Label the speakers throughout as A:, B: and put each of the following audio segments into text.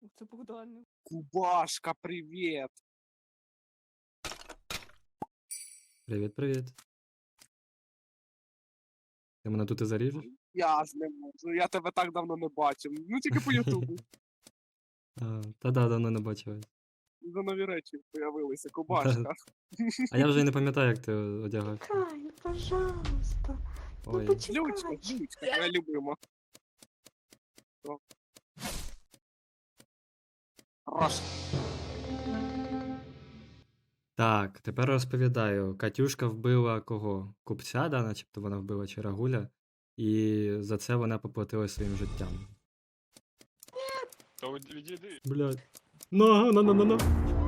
A: Це Богдан.
B: Кубашка, привіт!
C: Привіт, привіт. Ти мене тут і заріжеш?
B: Я ж не можу, я тебе так давно не бачив. Ну тільки по Ютубу.
C: Та да, давно не бачив.
B: За нові речі появилися, кубашка.
C: А я вже й не пам'ятаю, як ти одягав.
D: Кай, пожалуйста. Ну
C: Ой.
B: Лючка,
D: почекай.
B: Лючка, твоя любима. О. Хорош.
C: Так, тепер розповідаю. Катюшка вбила кого? Купця, да, начебто вона вбила чи Рагуля. І за це вона поплатила своїм життям.
E: Та відійди.
C: Блядь. На.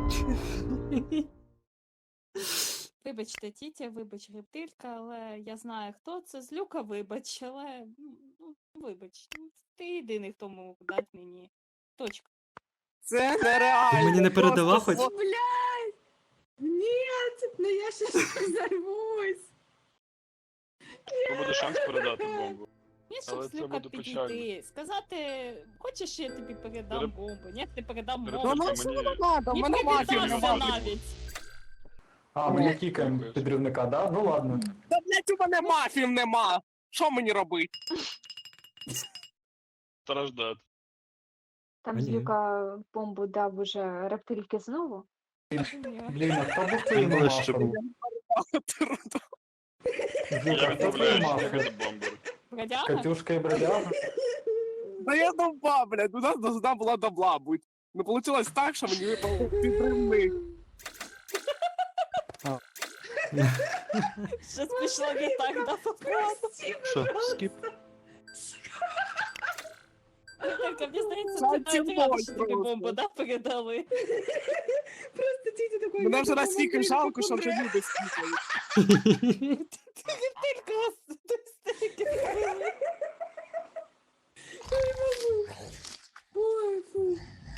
A: Вибачте, тітя, вибач, рептилька, але я знаю, хто це. Злюка, вибач, але вибач. Ти єдиний, хто мог дати мені. Точка.
B: Це нереально.
C: Ти мені не передала
B: просто
C: хоч?
D: Блядь! Нет, ну я сейчас взорвусь.
E: То буде шанс передати бомбу.
A: Ні, щоб
E: Але це
A: Злюка
E: буде печально.
A: підійти. Сказати, хочеш, я тобі передам
E: Перед-
A: бомбу? Ні, ти передам
E: перед-
B: Ну,
A: бомбу.
B: ну,
E: Мені-
B: що не надо, в
A: Ні,
B: мене мафів
A: привітався
B: нема.
A: навіть.
F: А, ми не кікаємо підривника, да? Ну ладно.
B: Та, блядь, у мене мафів нема. Що мені робити?
E: Страждати.
D: Там
C: Ні.
D: Злюка бомбу дав уже рептильки знову.
F: Блін, а хто був твоїм
E: Ближче
F: мафом?
E: Я
F: Злюка, хто твої
E: відмовляюся
F: мафи?
E: бути бомбер.
A: Бродяга?
F: Катюшка і бродяга?
B: Да я довба, блядь, у нас должна була добла бути. Ну, получилось так, що мені випав підривник.
A: Щось пішло не так, да, походу.
G: Що, скіп?
A: Рептилька, мені здається,
B: Це
A: ти навіть
B: тімбой
A: рада, що тобі
B: просто.
A: бомбу, да, передали.
H: Просто тітя такой...
B: Мене вже
H: «Мама,
B: настільки
H: мама,
B: жалко, що вже
H: помре».
B: люди скіпають.
A: Рептилька,